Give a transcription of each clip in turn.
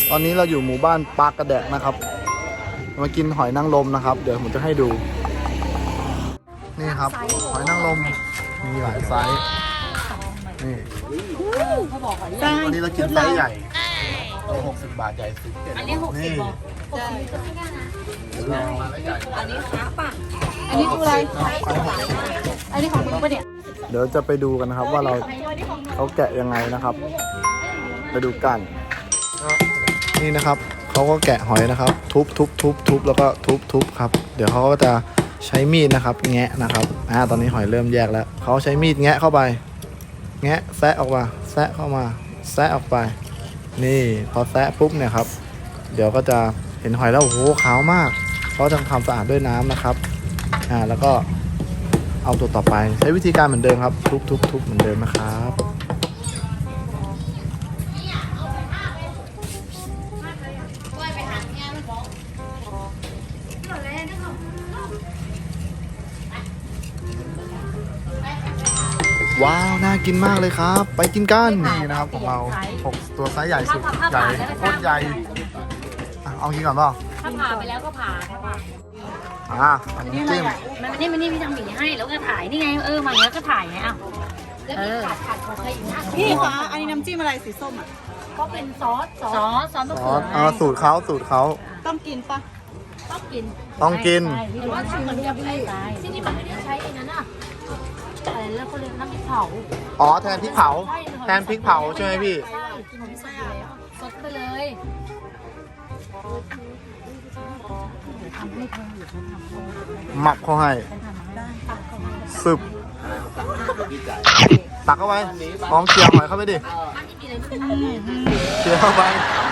ตอนนี้เราอยู่หมู่บ้านปากกระแดกนะครับมากินหอยนางรมนะครับเดี๋ยวผมจะให้ดูนี่ครับหอยนางรมมีหลายไซส์นี่วันนี้เรากินไซส์ใหญ่60 บาทใหญ่สุดอันนี้60 บาทอันนี้ขาป่ะอันนี้คืออะไรอันนี้ของมึงปะเนี่ยเดี๋ยวจะไปดูกันนะครับว่าเขาแกะยังไงนะครับไปดูกันนี่นะครับเขาก็แกะหอยนะครับทุบแล้วก็ทุบครับเดี๋ยวเขาก็จะใช้มีดนะครับแงะนะครับตอนนี้หอยเริ่มแยกแล้วเขาใช้มีดแงะเข้าไปแงะแซะออกมาแซะเข้ามาแซะออกไปนี่พอแซะปุ๊บเนี่ยครับเดี๋ยวก็จะเห็นหอยแล้วโอ้โหขาวมากเขาจะทำสะอาดด้วยน้ำนะครับแล้วก็เอาตัวต่อไปใช้วิธีการเหมือนเดิมครับทุบเหมือนเดิมนะครับว้าวน่ากินมากเลยครับไปกินกันนี่นะครับของเรา6ตัวไซส์ใหญ่สุดใหญ่โคตรใหญ่เอากินก่อนเปล่าถ้าผ่าไปแล้วก็ผ่าอันนี้จิ้มมันนี่พี่ทำหมีให้แล้วก็ถ่ายนี่ไงมาแล้วก็ถ่ายไงแล้วมีขาดของใครอีกนะพี่คะอันนี้น้ำจิ้มอะไรสีส้มอ่ะก็เป็นซอสมะเขือสูตรเขาต้องกินปะต้องกินแต่ว่าถ้าเหมือนกับที่นี่มันไม่ได้ใช้ไอ้นั้นอ่ะอะไรแล้วก็เรียกน้ำพริกเผาแทนพริกเผาใช่ไหมพี่ใช่กินใส่สดไปเลยทำให้เธอหรือฉันทำหมักเขาให้ซึบตักเข้าไปลองเคี่ยวหอยเข้าไปดิเคี่ยวเข้าไป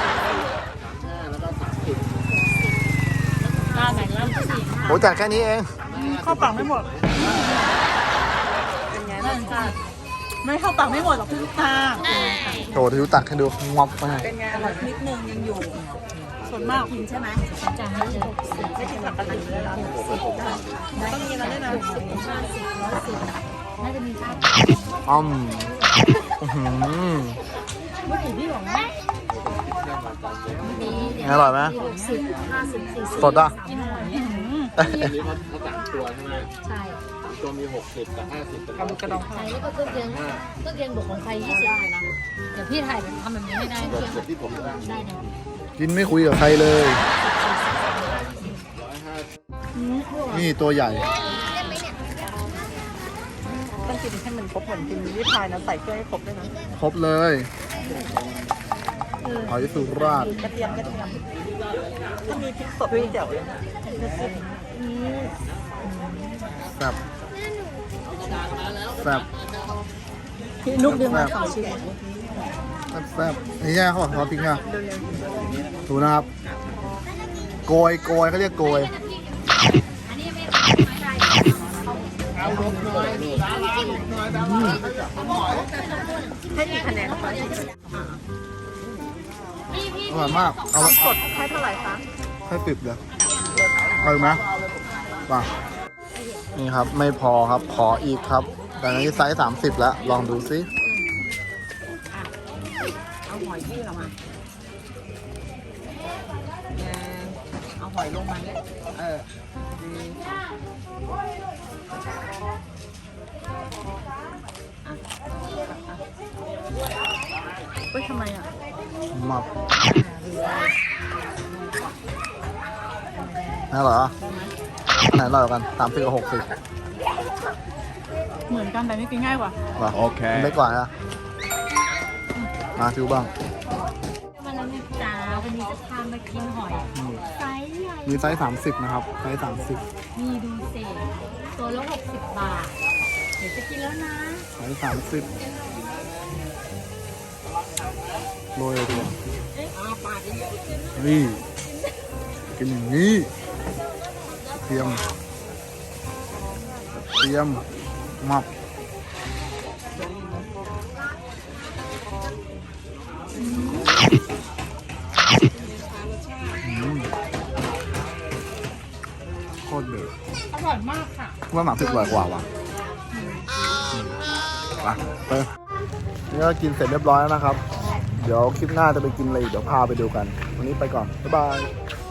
โหจัดแค่นี้เองเข้าปากไม่หมดเป็นไงบ้างคะไม่เข้าปากไม่หมดหรอกพี่ลูกตาโถทิวตักให้ดูงอบไปเป็นไงอร่อยนิดนึงยังอยู่ส่วนมากกินใช่ไหมจานนี้ไม่กินปกติเลยล่ะต้องมีอะไรด้วยนะ 50 110น่าจะมีค่าอร่อยไหม 60 50 สดอ่ะอันนี้เขา3 ตัวใช่ไหมใช่ตัวมี60กับ50เป็นกระดองใช่แล้วก็เครื่องเคียงบวกของใคร20ได้นะเดี๋ยวพี่ถ่ายทำแบบนี้ไม่ได้เครื่องที่ผมได้นะกินไม่คุยกับใครเลยนี่ตัวใหญ่ต้องกินให้มันครบเหมือนกินวิพายนะใส่เครื่องให้ครบด้วยนะครบเลยหอยสุราษฎร์กระเทียมถ้ามีพริกสดพี่เจ๋วเลยแซ่บพี่นุ๊กดึงมา2 ชิ้นแซ่บนี่แย่เขาบอกเขาพริกนะดูนะครับโกยเขาเรียกโกยให้กี่คะแนนคะอร่อยมากเอาสดให้เท่าไหร่คะให้10เลยเอาไหมป่ะนี่ครับไม่พอครับขออีกครับแต่นี้ไซส์30แล้วลองดูซิเอาหอยที่เรามาเอาหอยลงมาเนี่ยทำไมอ่ะมับน่าเหรออันไหนอร่อยกัน30 กับ 60 เหมือนกันแต่นี่กินง่ายกว่าโอเคไม่กว่าอ่ะมาฟิวบ้างวันนั้นจ้าวันนี้จะพามากินหอยไซส์ใหญ่มีไซส์30นะครับไซส์30 มีดูเศษตัวละ60 บาทเดี๋ยวจะกินแล้วนะไซส์30โรยตัวนี่กินอย่างนี้เตรียมมับโคตรเด็ดอร่อยมากค่ะว่าหมัก10 อร่อยกว่าว่ะไปนี่ก็กินเสร็จเรียบร้อยแล้วนะครับเดี๋ยวคลิปหน้าจะไปกินอะไรอีกเดี๋ยวพาไปดูกัน วันนี้ไปก่อน บ๊ายบาย